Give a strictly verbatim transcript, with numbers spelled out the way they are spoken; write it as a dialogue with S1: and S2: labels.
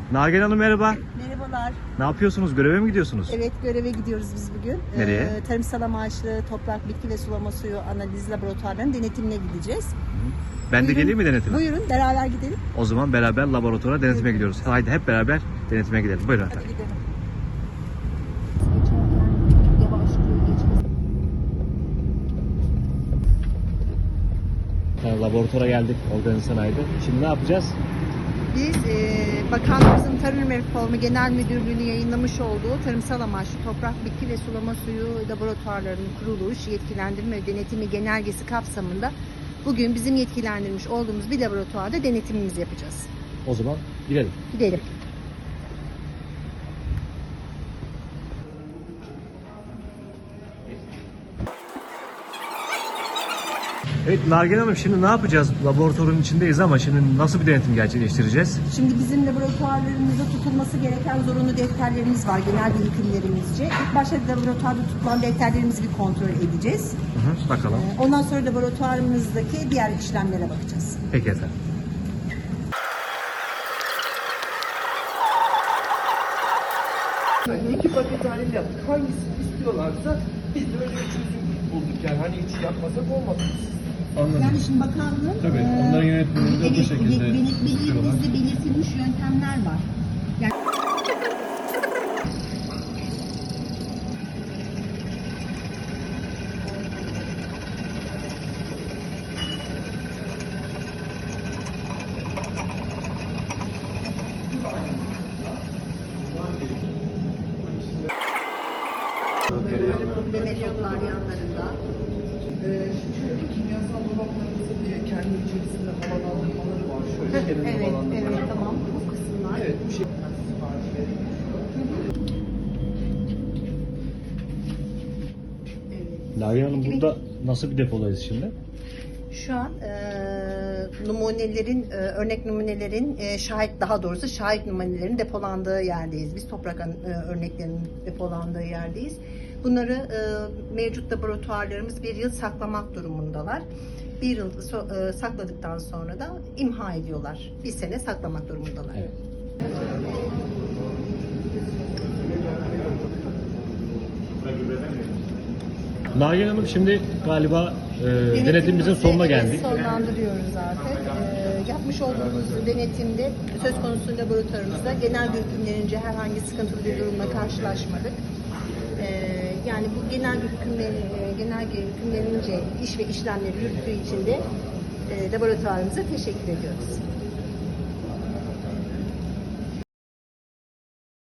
S1: Nagihan Hanım merhaba.
S2: Merhabalar.
S1: Ne yapıyorsunuz? Göreve mi gidiyorsunuz?
S2: Evet, göreve gidiyoruz biz bugün.
S1: Nereye?
S2: Ee, tarımsal amaçlı toprak, bitki ve sulama suyu analiz laboratuvarlarının denetimine gideceğiz.
S1: Ben de
S2: Buyurun.
S1: geleyim mi denetime?
S2: Buyurun, beraber gidelim.
S1: O zaman beraber laboratuvara denetime gidiyoruz. Haydi hep beraber denetime gidelim. Buyurun
S2: Hadi
S1: efendim.
S2: gidelim.
S1: Yani laboratuvara geldik organize sanayide. Şimdi ne yapacağız?
S2: Biz e, Bakanlığımızın Tarım Reformu Genel Müdürlüğü'nün yayınlamış olduğu tarımsal amaçlı toprak, bitki ve sulama suyu laboratuvarlarının kuruluş, yetkilendirme ve denetimi genelgesi kapsamında bugün bizim yetkilendirmiş olduğumuz bir laboratuvarda denetimimizi yapacağız.
S1: O zaman gidelim.
S2: Gidelim.
S1: Evet Nagihan Hanım şimdi ne yapacağız? Laboratuvarın içindeyiz ama şimdi nasıl bir denetim gerçekleştireceğiz?
S2: Şimdi bizim laboratuvarlarımızda tutulması gereken zorunlu defterlerimiz var genel birikimlerimizce. İlk başta laboratuvarda tutulan defterlerimizi bir kontrol edeceğiz.
S1: Hı hı, bakalım.
S2: Ondan sonra laboratuvarımızdaki diğer işlemlere bakacağız.
S1: Peki efendim.
S3: Yani iki paket halinde yaptık. Hangisini istiyorlarsa biz de öyle bir çözüm bulduk yani. Hani hiç yapmasak olmaz.
S4: Anladım.
S2: Yani şimdi bakanlığın
S4: Tabii,
S2: e,
S4: onların yönetmenliğinde bu
S2: evet,
S4: şekilde
S2: belir-
S4: istiyorlar.
S2: bizde belirtilmiş yöntemler var. Yani böyle metotlar yanlarında.
S3: Ee, şöyle kimyasal dolaplarımızın e, kendi içerisinde havalı almaları var. Şöyle kendi
S2: Evet,
S3: havalandırmaları
S2: evet
S3: var.
S2: tamam. Bu kısımlar.
S3: Evet, bu şekilde sipariş veriliyor.
S1: Nagihan Hanım burada nasıl bir depodayız şimdi?
S2: Şu an e, numunelerin, e, örnek numunelerin e, şahit, daha doğrusu şahit numunelerin depolandığı yerdeyiz. Biz toprak e, örneklerinin depolandığı yerdeyiz. Bunları e, mevcut laboratuvarlarımız bir yıl saklamak durumundalar. Bir yıl so- e, sakladıktan sonra da imha ediyorlar. Bir sene saklamak durumundalar.
S1: Evet. Nagihan Hanım şimdi galiba e, denetimimizin sonuna geldik.
S2: Sonlandırıyoruz artık. Ee, yapmış olduğumuz denetimde söz konusu laboratuvarımızda genel hükümlerince herhangi sıkıntılı bir durumla karşılaşmadık. Ee, yani bu genel hükümler, genel hükümlerince iş ve işlemleri yürüttüğü için de e, laboratuvarımıza teşekkür ediyoruz.